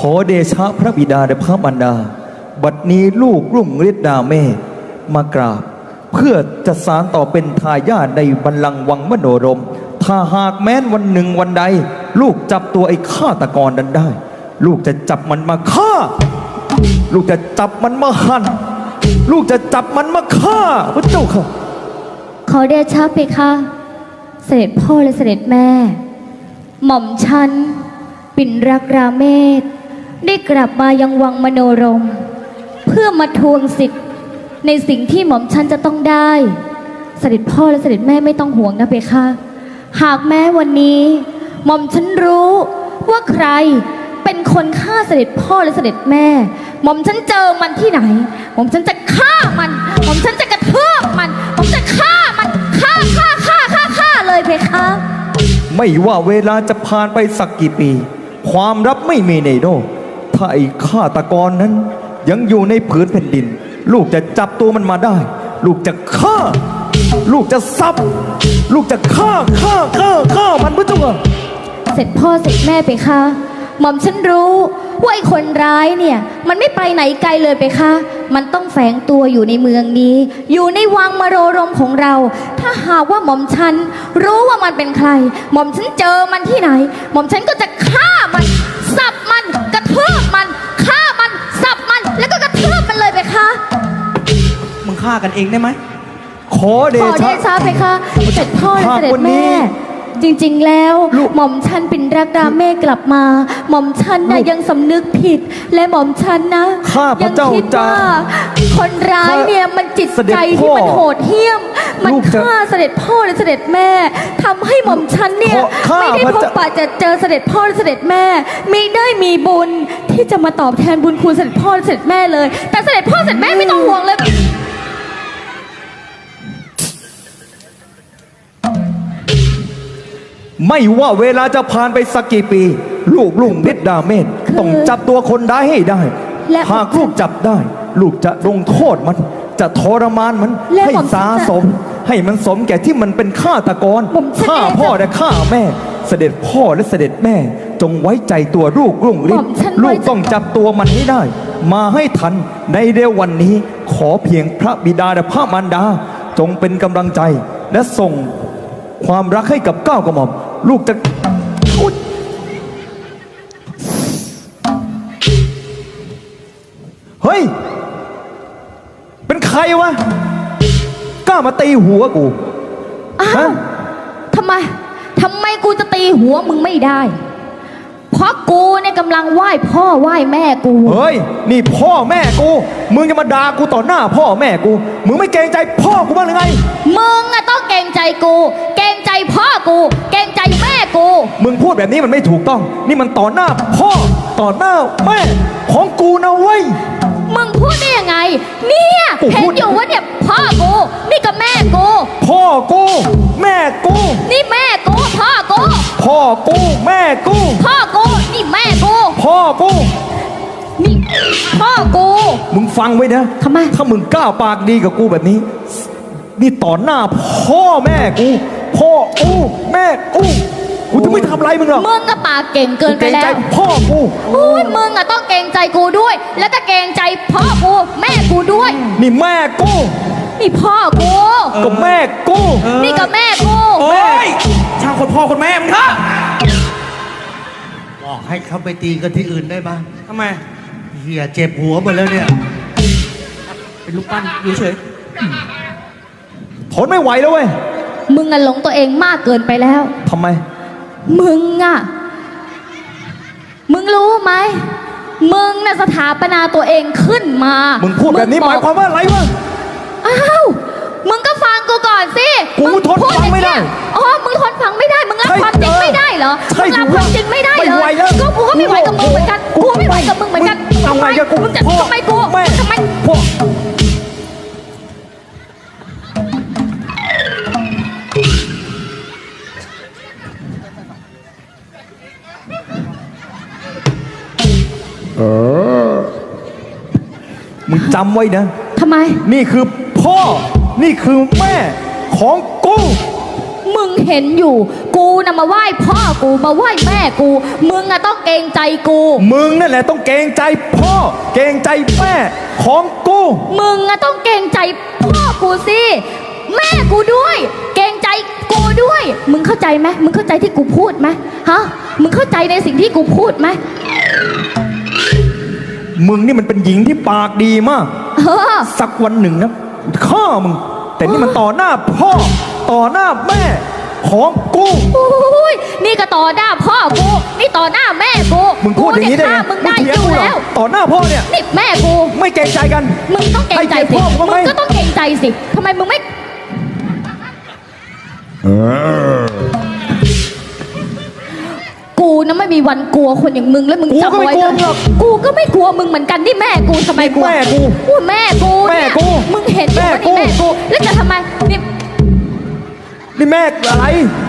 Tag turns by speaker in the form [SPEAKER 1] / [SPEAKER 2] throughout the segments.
[SPEAKER 1] อเดชะพระบิดาและพระมารดาบัดนี้ลูกรุ่งฤทธิ์ดาแม่มากราบเพื่อจะสานต่อเป็นทายาทในบัลลังก์วังมโนรมถ้าหากแม้นวันหนึ่งวันใดลูกจับตัวไอ้ฆาตกรนั้นได้ลูกจะจับมันมาฆ่าลูกจะจับมันมาหั่นลูกจะจับมันมาฆ่าพระเจ้าค่ะ
[SPEAKER 2] ขอเดชะเพคะเสด็จพ่อและเสด็จแม่หม่อมฉันปิ่นรักราเมศได้กลับมายังวังมโนรมเพื่อมาทวงสิทธิ์ในสิ่งที่หม่อมฉันจะต้องได้เสด็จพ่อและเสด็จแม่ไม่ต้องห่วงนะเพคะหากแม้วันนี้หม่อมฉันรู้ว่าใครเป็นคนฆ่าเสด็จพ่อและเสด็จแม่หม่อมฉันเจอมันที่ไหนหม่อมฉันจะฆ่ามันหม่อมฉันจะกระทืบมันหม่อมจะฆ่ามันฆ่าเลยเพคะ
[SPEAKER 1] ไม่ว่าเวลาจะผ่านไปสักกี่ปีความลับไม่มีในโลกถ้าไอ้ฆาตกรนั้นยังอยู่ในผืนแผ่นดินลูกจะจับตัวมันมาได้ลูกจะฆ่าลูกจะซับลูกจะฆ่ามันพุทธเจ้า
[SPEAKER 2] เสร็จพ่อเสร็จแม่ไปคะหม่อมฉันรู้ว่าไอ้คนร้ายเนี่ยมันไม่ไปไหนไกลเลยไปคะมันต้องแฝงตัวอยู่ในเมืองนี้อยู่ในวังมโนรมของเราถ้าหากว่าหม่อมฉันรู้ว่ามันเป็นใครหม่อมฉันเจอมันที่ไหนหม่อมฉันก็จะฆ่ามันสับมันกระทืบมันฆ่ามันสับมันแล้วก็กระทืบมันเลยไปคะ
[SPEAKER 3] มึงฆ่ากันเองได้ไหม
[SPEAKER 1] ขอเดชะ
[SPEAKER 2] ไปคะเสร็จพ่อและเสด็จแม่จริงๆแล้วหม่อมฉันปิ่นรักราเมศกลับมาหม่อมฉันนะยังสำนึกผิดและหม่อมฉันนะ
[SPEAKER 1] ยังคิดว่า
[SPEAKER 2] คนร้ายเนี่ยมันจิตใจที่มันโหดเหี้ยมมันฆ่าเสด็จพ่อและเสด็จแม่ทำให้หม่อมฉันเนี่ยไม่ได้พบปะจะเจอเสด็จพ่อและเสด็จแม่ไม่ได้มีบุญที่จะมาตอบแทนบุญคุณเสด็จพ่อและเสด็จแม่เลยแต่เสด็จพ่อเสด็จแม่ไม่ต้องห่วงเลย
[SPEAKER 1] ไม่ว่าเวลาจะผ่านไปสักกี่ปีลูกรุ่งฤทธิ์ดาเมศต้องจับตัวคนร้ายให้ได้หากลูกจับได้ลูกจะลงโทษมันจะทรมานมันให้สาสมให้มันสมแก่ที่มันเป็นฆาตกรฆ่าพ่อและฆ่าแม่เสด็จพ่อและเสด็จแม่จงไว้ใจตัวลูกรุ่งฤทธิ์ลูกต้องจับตัวมันให้ได้มาให้ทันในเร็ววันนี้ขอเพียงพระบิดาและพระมารดาจงเป็นกำลังใจและส่งความรักให้กับก้าวกระหม่อมลูกจะเฮ้ยเป็นใครวะกล้ามาตีหัวกู
[SPEAKER 2] อ้าวทำไมกูจะตีหัวมึงไม่ได้เพราะกูเนี่ยกำลังไหว้พ่อไหว้แม่กู
[SPEAKER 1] เฮ้ยนี่พ่อแม่กูมึงจะมาด่ากูต่อหน้าพ่อแม่กูมึงไม่เกรงใจพ่อกูบ้างหรือไง
[SPEAKER 2] มึงอะต้องเกรงใจกูเกรงใจพ่อกูเกรงใจแม่กู
[SPEAKER 1] มึงพูดแบบนี้มันไม่ถูกต้องนี่มันต่อหน้าพ่อต่อหน้าแม่ของกูนะเว้ย
[SPEAKER 2] มึงพูดได้ยังไงเนี่ยเห็นอยู่ว่าเนี่ยพ่อกูนี่ก็แม่กู
[SPEAKER 1] พ่อกูแม่กู
[SPEAKER 2] นี่แม่กูพ่อกู
[SPEAKER 1] พ่อกูแม่กู
[SPEAKER 2] พ่อกูนี่แม่กู
[SPEAKER 1] พ่อกู
[SPEAKER 2] นี่พ่อกู
[SPEAKER 1] มึงฟังไว้นะ
[SPEAKER 2] ทำไม
[SPEAKER 1] ถ้ามึงกล้าปากดีกับกูแบบนี้นี่ต่อหน้าพ่อแม่กูพ่อกูแม่กูจะไม่ทำอะไรมึงหรอก
[SPEAKER 2] มึงก็ปากเก่งเกินไปแล้ว
[SPEAKER 1] เกรงใจพ่อกู
[SPEAKER 2] โอ้ยมึงอะต้องเกรงใจกูด้วยแล้วก็เกรงใจพ่อกูแม่กูด้วย
[SPEAKER 1] นี่แม่กู
[SPEAKER 2] นี่พ่อกู
[SPEAKER 1] ก็แม่กู
[SPEAKER 2] นี่ก็แม่กู
[SPEAKER 3] โอ้ยช่างคนพ่อคนแม่มึงเถอะบอกให้เขาไปตีกันที่อื่นได้บ้างทำไมเหี้ยเจ็บหัวหมดแล้วเนี่ยเป็นลูกปั้นอยู่เฉย
[SPEAKER 1] ทนไม่ไหวแล้วเว้ย
[SPEAKER 2] มึงอะหลงตัวเองมากเกินไปแล้ว
[SPEAKER 1] ทำไม
[SPEAKER 2] มึงรู้ไหมมึงน่ะสถาปนาตัวเองขึ้นมา
[SPEAKER 1] มึงพูดแบบนี้หมายความว่าอะไรวะ
[SPEAKER 2] อ้าวมึงก็ฟังกูก่อนสิ
[SPEAKER 1] กูทนฟังไม่ได้
[SPEAKER 2] อ๋อมึงทนฟังไม่ได้มึงรับความจริงไม่ได้เหรอมึงรับความจริงไม่ได้เหรอก็กูก็ไม่ไหวกับมึงเหมือนกันกูไม่ไหวกับมึงเหมือนกัน
[SPEAKER 1] ทำไมกับกู
[SPEAKER 2] ทำไมกูทำไม
[SPEAKER 1] พ่อมึงจำไว้นะ
[SPEAKER 2] ทำไม
[SPEAKER 1] นี่คือพ่อนี่คือแม่ของกู
[SPEAKER 2] มึงเห็นอยู่กูน่ะมาไหว้พ่อกูมาไหว้แม่กูมึงอะต้องเกรงใจกู
[SPEAKER 1] มึงนั่นแหละต้องเกรงใจพ่อ เกรงใจแม่ของกู
[SPEAKER 2] มึงอะต้องเกรงใจพ่อกูสิแม่กูด้วย เกรงใจกูด้วย มึงเข้าใจไหมมึงเข้าใจที่กูพูดไหมฮะมึงเข้าใจในสิ่งที่กูพูดไหม
[SPEAKER 1] มึงนี่มันเป็นหญิงที่ปากดีมาก สักวันหนึ่งนะฆ่ามึง แต่นี่มันต่อหน้าพ่อ ต่อหน้าแม่ของกู
[SPEAKER 2] อุ้ยนี่ก็ต่อหน้าพ่อกูนี่ต่อหน้าแม่กู
[SPEAKER 1] มึงพูดอย่างนี้ได้ไง
[SPEAKER 2] มึงได้
[SPEAKER 1] เถีย
[SPEAKER 2] อยู่
[SPEAKER 1] กูเหร
[SPEAKER 2] แล้ว
[SPEAKER 1] ต่อหน้าพ่อเนี่ย
[SPEAKER 2] นี่แม่กู
[SPEAKER 1] ไม่เกรงใจกัน
[SPEAKER 2] มึงต้องเกรงใจ
[SPEAKER 1] ให้
[SPEAKER 2] สิ
[SPEAKER 1] พ่อมึง
[SPEAKER 2] มึ
[SPEAKER 1] ไหม
[SPEAKER 2] งก็ต้องเกรงใจสิทำไมมึงไม่กูนะไม่มีวันกลัวคนอย่างมึงแล้วมึงจำไว้เลยกูก็ไม่กลัวมึงเหมือนกันนี่แม่กูทำไมกลัว
[SPEAKER 1] แม่กู
[SPEAKER 2] อู้แม่กู
[SPEAKER 1] แม่
[SPEAKER 2] เนี่ย
[SPEAKER 1] กู
[SPEAKER 2] มึงเห็นอยู่ว่านี่
[SPEAKER 1] แม่
[SPEAKER 2] แม่
[SPEAKER 1] กู
[SPEAKER 2] กูแล้วจะทำไมนี่
[SPEAKER 1] นี่แม่อะไร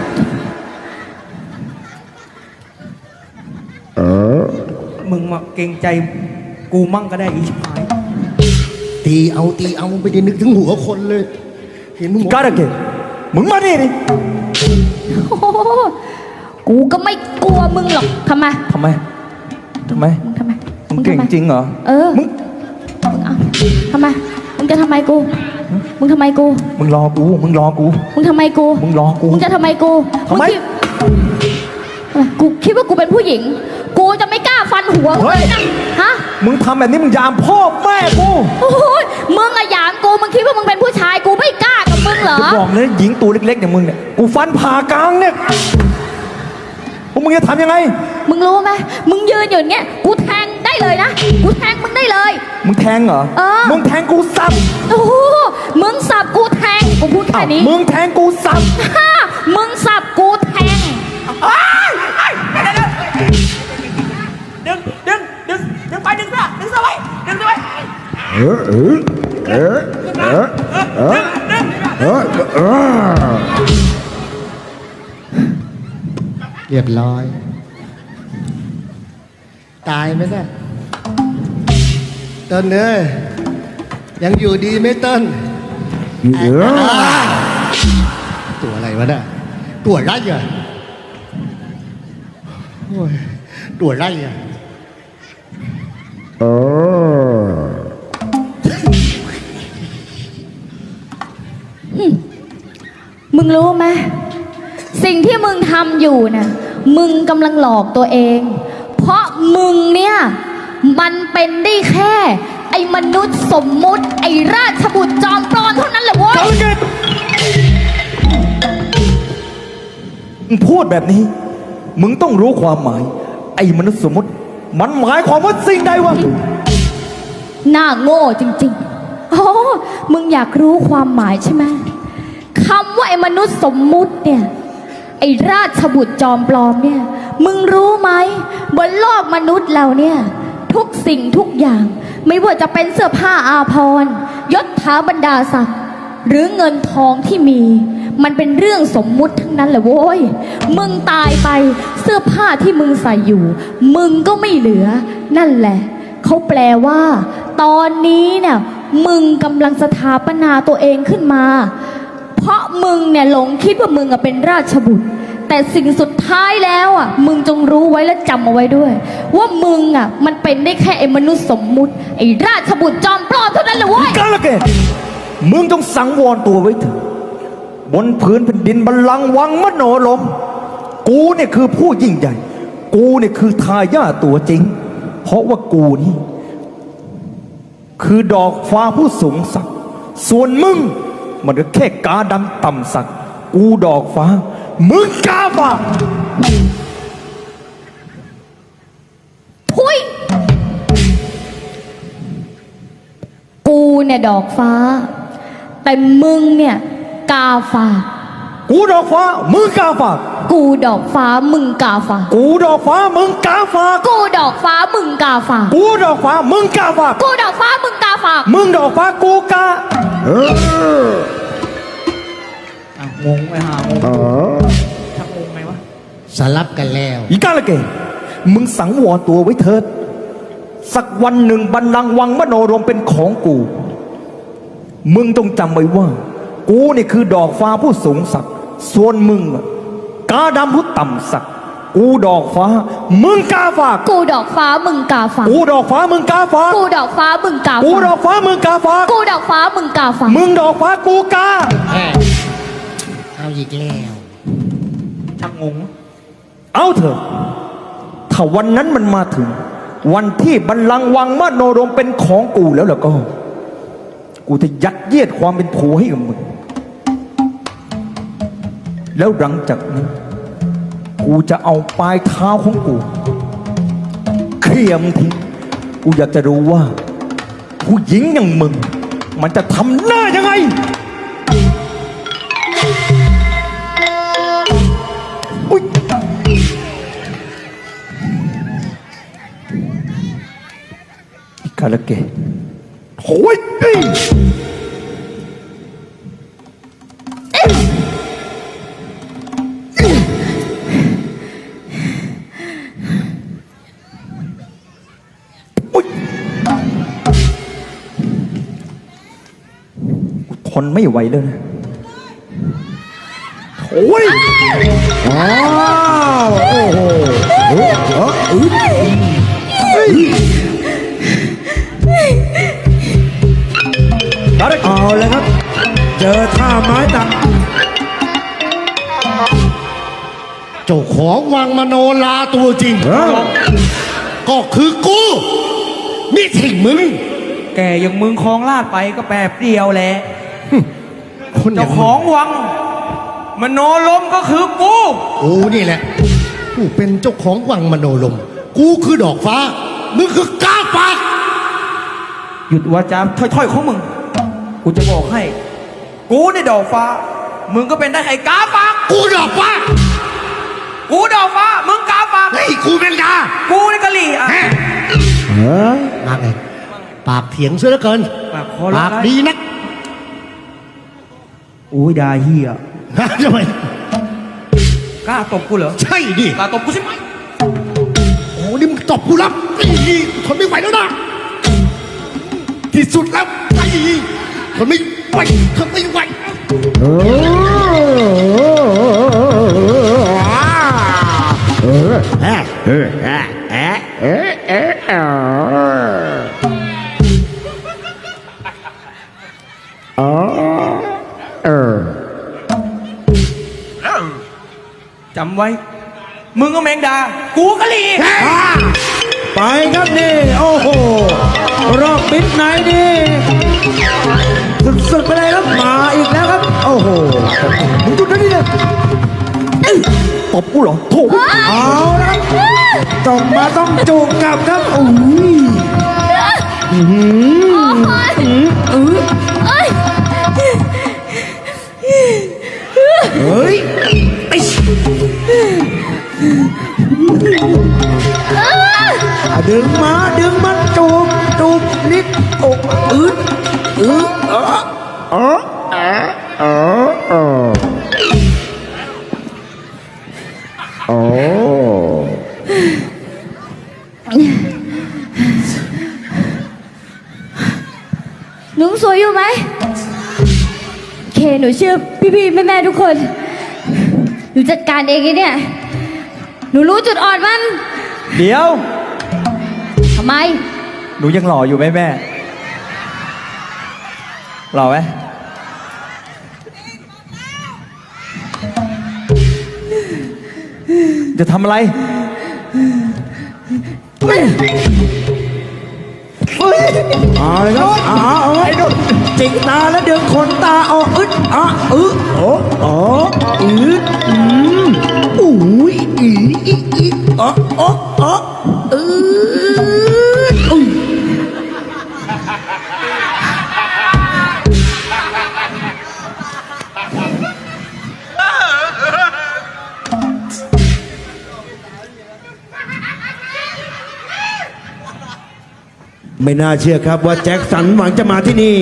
[SPEAKER 4] มึงมาเกรงใจกูมั่งก็ได้อีชิบหาย
[SPEAKER 3] ตีเอาไม่ได้นึกถึงหัวคนเลย เห็นมึง
[SPEAKER 1] กาดเกตมึงมาดิดิ
[SPEAKER 2] โอ้โหกูก็ไม่กลัวมึงหรอกทำไม
[SPEAKER 1] ทำไม
[SPEAKER 2] มึงทำไม
[SPEAKER 1] มึงเก่งจริงเหรอ
[SPEAKER 2] เออ
[SPEAKER 1] มึง
[SPEAKER 2] มึงเอาทำไมมึงจะทำไมกูมึงทำไมกู
[SPEAKER 1] มึงรอกู มึงรอกู
[SPEAKER 2] มึงทำไมกู
[SPEAKER 1] มึงรอกู
[SPEAKER 2] มึงจะทำไมกู
[SPEAKER 1] ทำไม
[SPEAKER 2] กูคิดว่ากูเป็นผู้หญิง กูจะไม่กล้าฟันหัวมึงเลยนะฮะ
[SPEAKER 1] มึงทำแบบนี้มึงยามพ่อแม่กู
[SPEAKER 2] โอ้ยมึงอะหยามกูมึงคิดว่ามึงเป็นผู้ชายกูไม่กล้ากับมึงเหรอ
[SPEAKER 1] กูบอกเลยหญิงตัวเล็กๆอย่างมึงเนี่ย กูฟันผ่ากลางเนี่ยพวกมึงจะทำยังไง
[SPEAKER 2] มึงรู้ไหมมึงยืนอยู่อย่างเงี้ยกูแทงได้เลยนะกูแทงมึงได้เลย
[SPEAKER 1] มึงแทงเหรอ
[SPEAKER 2] เออ
[SPEAKER 1] มึงแทงกูสับ
[SPEAKER 2] โอ้โหมึงสับกูแทงกูพูดแค่
[SPEAKER 1] อ้าว
[SPEAKER 2] นี้
[SPEAKER 1] มึงแทงกูสับ
[SPEAKER 2] ฮ่ามึงสับกูแทง
[SPEAKER 4] ดึงไปดึงซะไว้ดึงซะไว้
[SPEAKER 3] เรียบร้อย ตายไหมเนี่ยเต้นเนยยังอยู่ดีไหมเต้นตัวอะไรวะเนี่ยตัวไรอ่ะโอ้ยตัวไรอ่ะ
[SPEAKER 2] มึงรู้ไหมสิ่งที่มึงทำอยู่น่ะมึงกำลังหลอกตัวเอง เพราะมึงเนี่ยมันเป็นได้แค่ ไอ้มนุษย์สมมุติไอ้ราชบุตรจอมปลอมเท่านั้นแหละเว้ย
[SPEAKER 1] มึงพูดแบบนี้ มึงต้องรู้ความหมาย ไอ้มนุษย์สมมติ มันหมายความว่าสิ่งใดวะ
[SPEAKER 2] หน้าโง่จริงๆโอ้มึงอยากรู้ความหมายใช่ไหมคำว่าไอ้มนุษย์สมมุติเนี่ยไอ้ราชบุตรจอมปลอมเนี่ยมึงรู้ไหมบนโลกมนุษย์เราเนี่ยทุกสิ่งทุกอย่างไม่ว่าจะเป็นเสื้อผ้าอาภรณ์ยศถาบรรดาศักดิ์หรือเงินทองที่มีมันเป็นเรื่องสมมุติทั้งนั้นแหละโว้ยมึงตายไปเสื้อผ้าที่มึงใส่อยู่มึงก็ไม่เหลือนั่นแหละเขาแปลว่าตอนนี้เนี่ยมึงกำลังสถาปนาตัวเองขึ้นมาเพราะมึงเนี่ยหลงคิดว่ามึงเป็นราชบุตรแต่สิ่งสุดท้ายแล้วอ่ะมึงจงรู้ไว้และจำเอาไว้ด้วย ว่ามึงอ่ะมันเป็นได้แค่ไอ้มนุษย์สมมุติไอ้ราชบุตรจอมปลอมเท่านั้นแหละเว้ย
[SPEAKER 1] กาลเกตมึงต้องสังวรตัวไว้เถอะบนพื้นแผ่นดินบัลลังก์วังมโนรมกูเนี่ยคือผู้ยิ่งใหญ่ กูเนี่ยคือทายาทตัวจริง เพราะว่ากูนี่คือดอกฟ้าผู้สูงสักดิ์ส่วนมึงมันก็แค่กาดำต่ำสักดิ์กูดอกฟ้า มึงกาฝาก
[SPEAKER 2] ทุยกูเนี่ยดอกฟ้า แต่มึงเนี่ยกาฝาก
[SPEAKER 1] กูดอกฟ้า มึงกาฝาก
[SPEAKER 2] กูดอกฟ้ามึงกาฝาก
[SPEAKER 1] กูดอกฟ้า มึงกาฝาก
[SPEAKER 2] กูดอกฟ้ามึงกาฝาก
[SPEAKER 1] กูดอกฟ้า มึงกาฝาก
[SPEAKER 2] กูดอกฟ้ามึงกาฝาก
[SPEAKER 1] มึงดอกฟ้า กูกา
[SPEAKER 4] งงไปหางงชักงงไงวะ
[SPEAKER 3] สลับกันแล้ว
[SPEAKER 1] อีกาละเกมึงสังวรตัวไว้เถิด สักวันหนึ่งบัลลังก์วังมโนรมเป็นของกู มึงต้องจำไว้ว่า กูนี่คือดอกฟ้าผู้สูงศักดิ์ส่วนมึงอะกาดำผู้ต่ำสักกูดอกฟ้ามึงกาฝาก
[SPEAKER 2] กูดอกฟ้ามึงกาฝาก
[SPEAKER 1] กูดอกฟ้ามึงกาฝาก
[SPEAKER 2] กูดอกฟ้ามึงกา
[SPEAKER 1] กู
[SPEAKER 2] ฝาก
[SPEAKER 1] ดอกฟ้ามึงกาฝาก
[SPEAKER 2] กูดอกฟ้ามึงกาฝาก
[SPEAKER 1] มึงดอกฟ้ากูกา
[SPEAKER 3] เอาอีกแล้ว
[SPEAKER 4] ชักงง
[SPEAKER 1] เอาเถอะถ้าวันนั้นมันมาถึง วันที่บัลลังก์วังมโนรมเป็นของกูแล้วล่ะก็ กูจะยัดเยียดความเป็นผัวให้กับมึง แล้วหลังจากนั้น กูจะเอาปลายเท้าของกูเขี่ยมงทิ้งกูอยากจะรู้ว่า ผู้หญิงอย่างมึง มันจะทำหน้ายังไงอุ๊ยอีกาละเกะโอ้ยเอ้ยทนไม่ไหวเลยนะโอ้ยว้าวโอ้โหเฮ้ยเอาเลยครับ เจอท่าไม้ตัก
[SPEAKER 3] เจ้าของวังมโนลาตัวจริง ก็คือกูนี่ถิงมึง
[SPEAKER 4] แกอย่างมึงคลองลาดไปก็แป๊บเดียวแหละ
[SPEAKER 3] คนอ
[SPEAKER 4] เจ้า
[SPEAKER 3] ย่าง
[SPEAKER 4] ข
[SPEAKER 3] มึ
[SPEAKER 4] อง งวัง มโนลมก็คือกู
[SPEAKER 3] กูนี่แหละกูเป็นเจ้าของวังมโนลม กูคือดอกฟ้า มึงคือกาฝาก
[SPEAKER 4] หยุดวาจาถ้อยๆของมึง กูจะบอกให้ กูในดอกฟ้า มึงก็เป็นได้ไอ้กาฝาก
[SPEAKER 3] กูดอกฟ้า
[SPEAKER 4] กูดอกฟ้า มึงกาฝาก
[SPEAKER 3] เฮ้ยกูเป็นกา
[SPEAKER 4] กูในกะหรี่อ่ะ
[SPEAKER 3] มาไงปากเถียงซะเหลือเกิน
[SPEAKER 4] ปากคอร้าย
[SPEAKER 3] ปากดีนัก
[SPEAKER 4] โอ้ยดาเฮีย
[SPEAKER 3] ทำไม
[SPEAKER 4] กล้าตบกูเหรอ
[SPEAKER 3] ใช่ดิ
[SPEAKER 4] กล้าตบกูใช่ไหม
[SPEAKER 3] โอ้นี่มึงตบกูรับนี่ทนไม่ไหวแล้วนะที่สุดแล้วไอ้ทนไม่ไหวทนไม่ไหว
[SPEAKER 4] จำไว้ มึงก็แมงดา กูกะหรี่
[SPEAKER 1] ไปครับนี่โอ้โหรอบปิดไหนนี่สุดๆไปเลยครับมาอีกแล้วครับโอ้โหมึงจุดนั้นนี่เลยตบกูเหรอโถเอาละต้องจูบกลับครับโอ้ย เฮ้ยไอ้ดึงมาจูบนิดอกอึด
[SPEAKER 2] หนูสวยอยู่ไหมโอเคหนูเชื่อพี่ๆแม่ๆทุกคน หนูจัดการเองไอ้เนี่ย หนูรู้จุดอ่อนมัน
[SPEAKER 1] เดี๋ยว
[SPEAKER 2] ทำไม
[SPEAKER 1] หนูยังหล่ออยู่ไหมแม่หล่อไหมจะทำอะไรเอาเลยครับเอาไว้จิกตาแล้วดึงขนตาออกอึดอึดอุ้ยไม่น่าเชื่อครับว่าแจ็คสันหวังจะมาที่นี่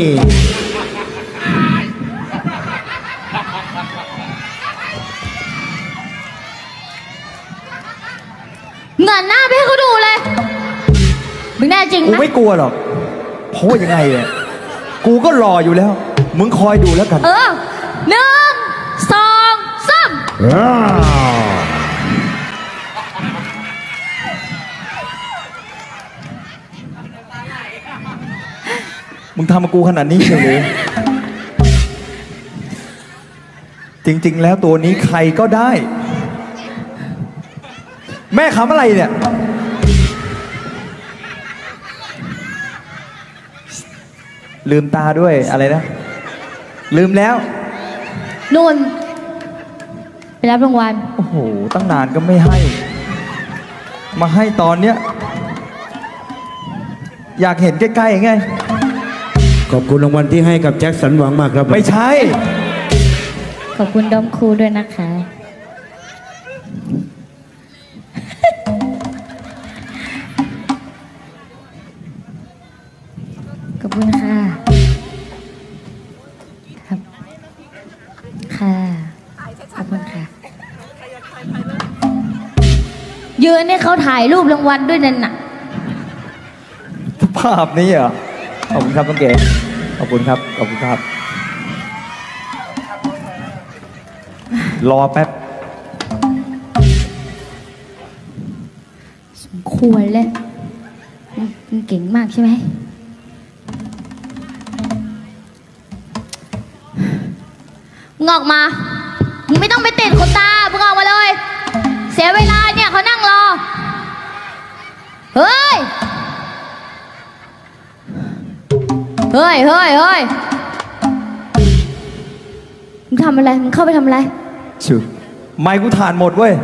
[SPEAKER 2] เงินหน้าไปให้เขาดูเลยมึงแน่จริง
[SPEAKER 1] กู
[SPEAKER 2] นะ
[SPEAKER 1] ไม่กลัวหรอก เพราะว่ายังไงเนี่ยกูก็รออยู่แล้ว มึงคอยดูแล้วกัน
[SPEAKER 2] 1 2 3
[SPEAKER 1] มึงทำกับกูขนาดนี้เชียวหรือ จริง ๆ แล้วตัวนี้ใครก็ได้ แม่ขำอะไรเนี่ย ลืมตาด้วยอะไรนะ ลืมแล้ว
[SPEAKER 2] นู่นไปรับรางวัล
[SPEAKER 1] โอ้โห ตั้งนานก็ไม่ให้ มาให้ตอนเนี้ย อยากเห็นใกล้ๆไง
[SPEAKER 5] ขอบคุณรางวัลที่ให้กับแจ็คสันหวังมากครับ
[SPEAKER 1] ไม่ใช่
[SPEAKER 2] ขอบคุณดอมครูด้วยนะคะ ขอบคุณค่ะ ครับ ค่ะ ขอบคุณค่ะ ยืนให้เขาถ่ายรูปรางวัลด้วยนั่นน่ะ
[SPEAKER 1] ภาพนี้เหรอ ขอบคุณครับน้องเก๋ขอบคุณครับ ขอบคุณครับ รอแป๊บ
[SPEAKER 2] สมควรเลยมึงเก่งมากใช่ไหม มึงออกมา มึงไม่ต้องไปติดขนตา มึงออกมาเลย เสียเวลาเนี่ยเขานั่งรอ เฮ้ย เฮ้ย เฮ้ย เฮ้ย มึงทำอะไร มึงเข้าไปทำอะไร
[SPEAKER 1] ชิวไมค์กูถ่านหมดเว้ย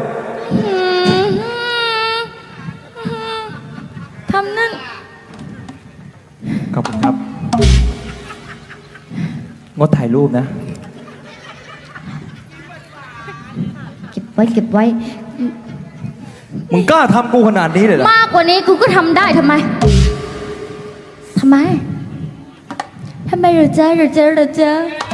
[SPEAKER 2] ทำนั่น
[SPEAKER 1] ขอบคุณครับ งดถ่ายรูปนะ
[SPEAKER 2] เก็บไว้ เก็บไว้
[SPEAKER 1] มึงกล้าทำกูขนาดนี้เลยเหรอ
[SPEAKER 2] มากกว่านี้กูก็ทำได้ทำไม ทำไม ทำไมเหรอจ๊ะเหรอจ๊ะเหรอจ๊ะ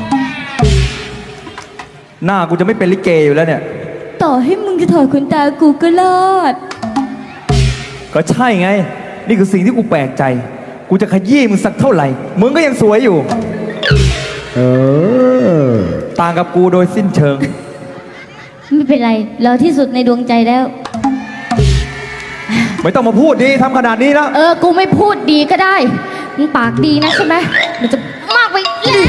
[SPEAKER 1] หน้ากูจะไม่เป็นลิเกอยู่แล้วเนี่ย
[SPEAKER 2] ต่อให้มึงจะถอดขนตากูก็รอด
[SPEAKER 1] ก็ใช่ไง นี่คือสิ่งที่กูแปลกใจ กูจะขยี้มึงสักเท่าไหร่ มึงก็ยังสวยอยู่
[SPEAKER 5] เออ
[SPEAKER 1] ต่างกับกูโดยสิ้นเชิง
[SPEAKER 2] ไม่เป็นไร เราที่สุดในดวงใจแล้ว
[SPEAKER 1] ไม่ต้องมาพูดดีทำขนาดนี้แล้ว
[SPEAKER 2] กูไม่พูดดีก็ได้ มึงปากดีนะใช่ไหมมันจะมากไปแล้ว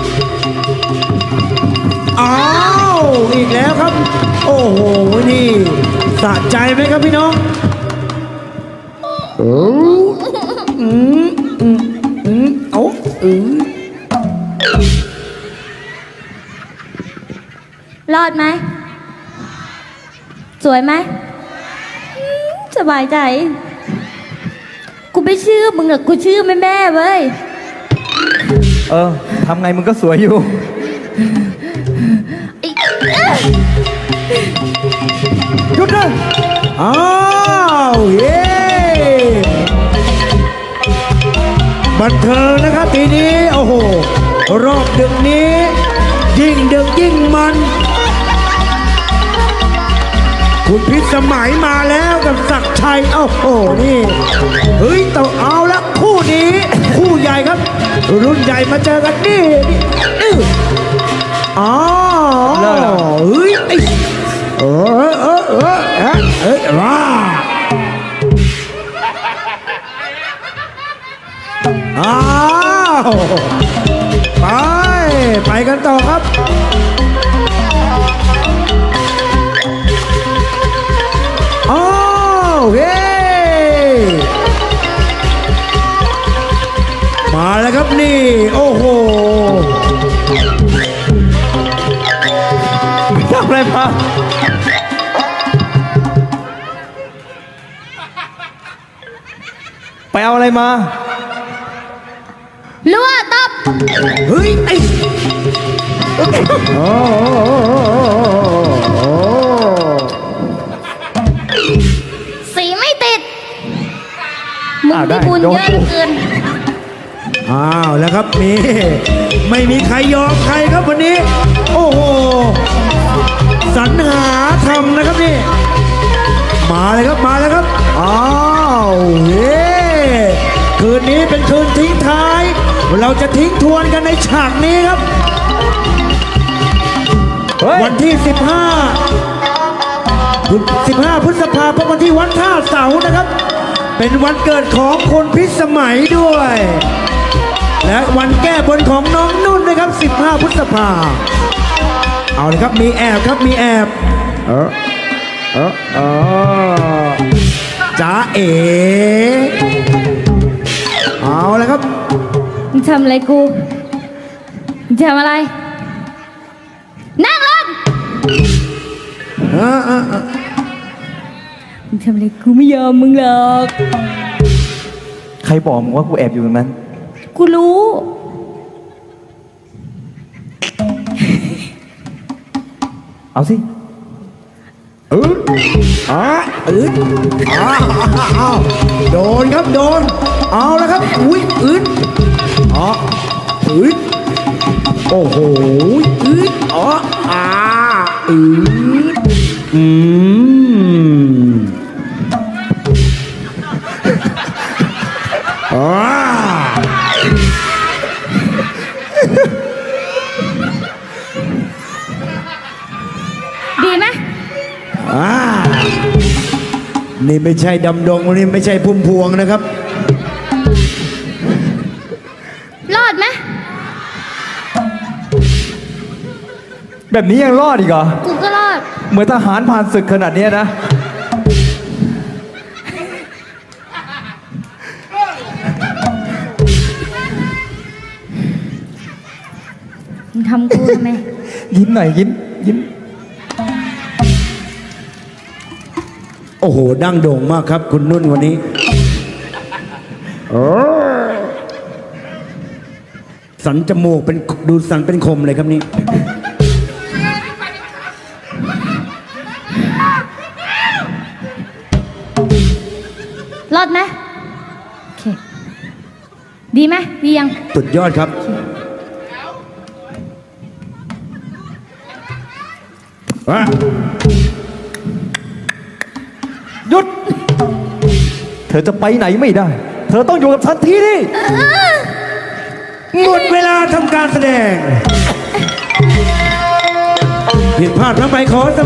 [SPEAKER 5] อ้าว อีกแล้วครับ โอ้โห นี่สะใจไหมครับพี่น้องเอา
[SPEAKER 2] รอดไหม สวยไหมสบายใจ กูไม่เชื่อมึงหรอกกูเชื่อแม่แม่เว้ย
[SPEAKER 1] ทำไงมึงก็สวยอยู่ หยุดนะ
[SPEAKER 5] อ้าวเย้บันเทิงนะครับทีนี้ โอ้โห รอบดึกนี้ ยิ่งดึกยิ่งมัน คุณพิสมัยมาแล้วกับศักดิ์ชัยโอ้โห นี่ เฮ้ยต้องเอาละคู่นี้ คู่ใหญ่ครับ รุ่นใหญ่มาเจอกันนี่อ๋อ
[SPEAKER 1] เลิกแล้ว
[SPEAKER 5] เฮ้ยไอ้ว้าอ้าวไปกันต่อครับอ้าวเฮ้มาแล้วครับนี่โอ้โห
[SPEAKER 1] ทำอะไรมาไปเอาอะไรมา
[SPEAKER 2] รั่วตบ
[SPEAKER 5] เฮ้ยไอ้โอ้
[SPEAKER 2] สีไม่ติด มึงได้บุญเยอะเหลือเกิน
[SPEAKER 5] อ้าวแล้วครับนี่ไม่มีใครยอมใครครับวันนี้ โอ้โหสรรหาทำนะครับนี่มาเลยครับมาแล้วครับอ้าวเฮ้คืนนี้เป็นคืนทิ้งท้าย เราจะทิ้งทวนกันในฉากนี้ครับ
[SPEAKER 1] เฮ้ย
[SPEAKER 5] วันที่ 15 พฤษภาคมวันที่วัดท่าเสานะครับ เป็นวันเกิดของคนพิสมัยด้วยและวันแก้บนของน้องนุ่นนะครับ 15 พฤษภาเอาเลยครับมีแอบครับมีแอบจ้าเอ๋เอาเลยครับ
[SPEAKER 2] มึงทำอะไรกูมึงทำอะไร นั่งลงมึงทำอะไรกูไม่ยอมมึงหรอก
[SPEAKER 1] ใครบอกมึงว่ากูแอบอยู่ตรงนั้น
[SPEAKER 2] กูรู้
[SPEAKER 1] เอาสิ
[SPEAKER 5] โดนครับโดนเอาแล้วครับอุ้ยโอ้โห
[SPEAKER 2] ดีไหม
[SPEAKER 5] นี่ไม่ใช่ดำดงนี่ไม่ใช่พุ่มพวงนะครับ
[SPEAKER 2] รอดไหม
[SPEAKER 1] แบบนี้ยังรอดอีกเหรอ
[SPEAKER 2] กูก็รอด
[SPEAKER 1] เหมือนทหารผ่านศึกขนาดเนี้ยนะ
[SPEAKER 2] มึงทำกูทำไม
[SPEAKER 1] ยิ้มหน่อยยิ้ม
[SPEAKER 5] โอ้โหดั้งโด่งมากครับ คุณนุ่นวันนี้สันจมูกเป็นดูสันเป็นคมเลยครับนี่
[SPEAKER 2] รอดไหมโอเค ดีไหมดียัง
[SPEAKER 5] สุดยอดครับว้า
[SPEAKER 1] หยุด เธอจะไปไหนไม่ได้ เธอต้องอยู่กับฉันที่นี่
[SPEAKER 5] หมดเวลาทำการแสดง ผิดพลาดทั้งไปขอ